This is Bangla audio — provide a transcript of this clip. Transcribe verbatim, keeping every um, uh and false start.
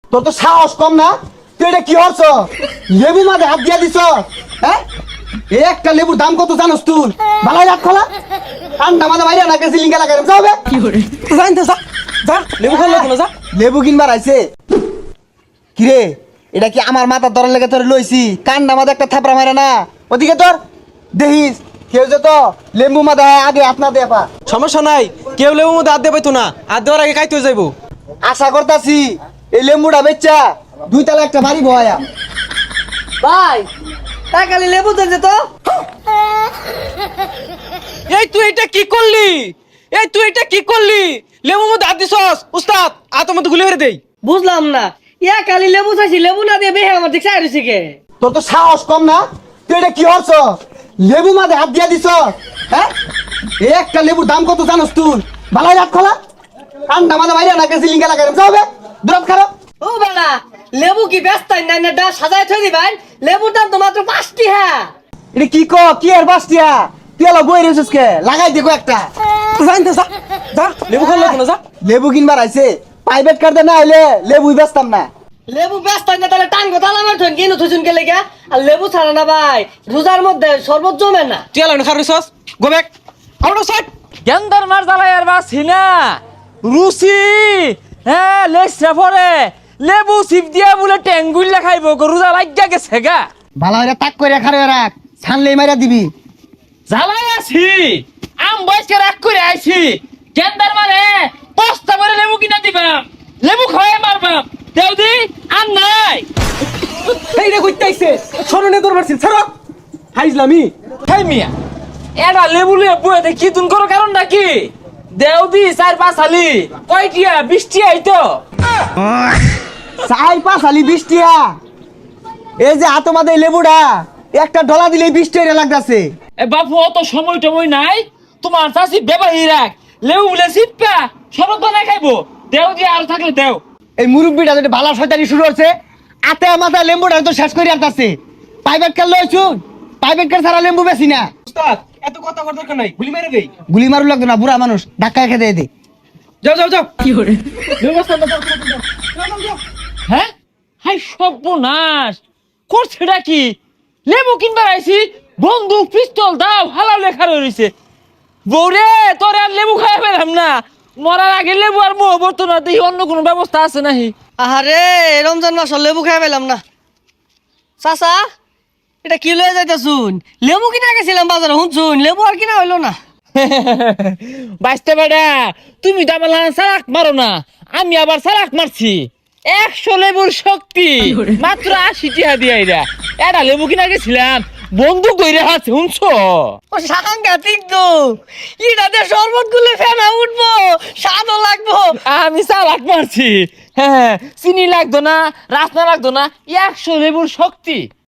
তোর তো সাহস কম না? তুই এটা কি হচ্ছ? লেবু মাঝে হাত দিয়া দিছ, হ্যাঁ? এই একটা লেবুর দাম কত জানোস তুই? ভালো রাখ খোলা ঠান্ডা মাঝে বাইরে না গেছি লিঙ্গা লাগাই যাবে কি করে জানতে যা যা লেবু খাওয়া লাগলো যা লেবু কিনবার আইছে কিরে এটা কি আমার মাথার ধরার লেগে তোর লইছি কান্না মাঝে একটা থাপড়া মারে না ওদিকে তোর দেখিস কেউ যে তো লেবু মাঝে আগে আপনার দেপা সমস্যা নাই, কেউ লেবু মধ্যে হাত দিয়ে পাইতো না, হাত দেওয়ার আগে খাইতে যাইবো। আশা করতাছি এই লেম্বুটা বেচা দুই তালা একটা বাড়ি বয়া ভাই টাকালি লেবু দেন তো। এই তুই এটা কি করলি? এই তুই এটা কি করলি? লেবু মধ্যে হাত দিছস উস্তাদ, আ তোমার তো গুলি মেরে দেই। বুঝলাম না, ইয়া কালি লেবু চাইছি, লেবু না দিয়ে বেহে আমার দিকে চাইছি কে? তোর তো সাহস কম না? তুই এটা কি হচ্ছ? লেবু মাঝে হাত দিয়া দিছ, হ্যাঁ? এই একটা লেবুর দাম কত জানোস তুই? ভালো রাখ খোলা ঠান্ডা মাঝে বাইরে না গেছি লিঙ্গা লাগাই যাবে দূরত খারাপ ও বালা, লেবু কি ব্যস্ত না না ডা সাজায় থই দিবেন? লেবুর দাম তো মাত্র পাঁচটি হ্যাঁ। এটা কি ক কি আর বাসটিয়া তুই এলা বই রেছিস কে লাগাই দেখো একটা জানতে যা যা লেবু খাওয়া লাগলো যা। লেবু কিনবার আইছে প্রাইভেট কার্ডে না হইলে লেবুই বেচতাম না লেবু ব্যস্ত না তাহলে টাঙ্গো তালা মার থইন কিনো থইছুন কে লেগা? আর লেবু ছাড়া না ভাই রোজার মধ্যে শরবত জমে না। তুই এলা খারিছস go back out of side. গেন্দার মার জ্বালাই আর বাসি না রুচি, হ্যাঁ লেসরা পরে লেবু সিপ দিয়া বলে টেঙ্গুইলা খাইব রোজা লাগিয়া গেছে গা। ভালো হইলে তাক করে খারে রাখ ছানলেই মাইরা দিবি জ্বালাই আছি আম বয়সকে রাগ করে আইছি গেন্দার মারে পস্তা করে লেবু কিনা দিবা, লেবু খাওয়াই মারবাম দেও দি আর নাই। এই রে কইতাইছে শরণে দরবার ছিল ছাড়ো হাইজলামি। খাই মিয়া এটা লেবু লিয়ে বইতে কি তুন করো কারণ নাকি দেও দি চার পাঁচ হালি কয়টিয়া বৃষ্টি আইতো চাই পাঁচ আলি বৃষ্টিয়া এই যে হাতো মাদে লেবুটা একটা ডলা দিলে বৃষ্টি হইরা লাগতাছে এ বাপু অত সময় টময় নাই, তোমার চাষি বেবাহি রাখ লেবু বলে সিটপা শরবত বানাই খাইবো দেও দিয়ে আর থাকলে দেও। এই মুরব্বিটা যদি ভালো শয়তানি শুরু হচ্ছে আতে মাথা লেম্বুটা তো শেষ করে আসতেছে প্রাইভেট কার লইছুন প্রাইভেট কার ছাড়া লেম্বু বেশি না উস্তাদ এত কথা করার দরকার নাই, গুলি মেরে দেই। গুলি মারু লাগতো না বুড়া মানুষ ধাক্কা খেতে দে যাও যাও যাও কি করে ব্যবস্থা না যাও যাও যাও হ্যাঁ হাই সর্বনাশ করছেটা কি? লেবু কিনবার আইছি বন্দুক পিস্তল দাও হালাল লেখা রয়েছে বৌরে তোর আর লেবু খাই পেলাম না, মরার আগে লেবু আর মোহ বর্ত না দেখি অন্য কোনো ব্যবস্থা আছে নাহি। আহারে রমজান মাস লেবু খাই পেলাম না। চাচা এটা কি লয়ে যাইতাছুন? লেবু কিনা গেছিলাম বাজারে শুনছুন, লেবু আর কিনা হইলো না। বাঁচতে বেড়া তুমি তো আমার সারাক মারো না, আমি আবার সারাক মারছি। একশো লেবুর শক্তি মাত্র আশি টিহা দিয়ে এরা এটা লেবু কিনা গেছিলাম বন্দুক কইরে হাতে শুনছো? ও সাংঘাতিক তো, ইটাতে শরবত গুলে ফেনা উঠবো, স্বাদও লাগবো। আমি সালাক মারছি, হ্যাঁ চিনি লাগতো না রাসনা লাগতো না, একশো লেবুর শক্তি।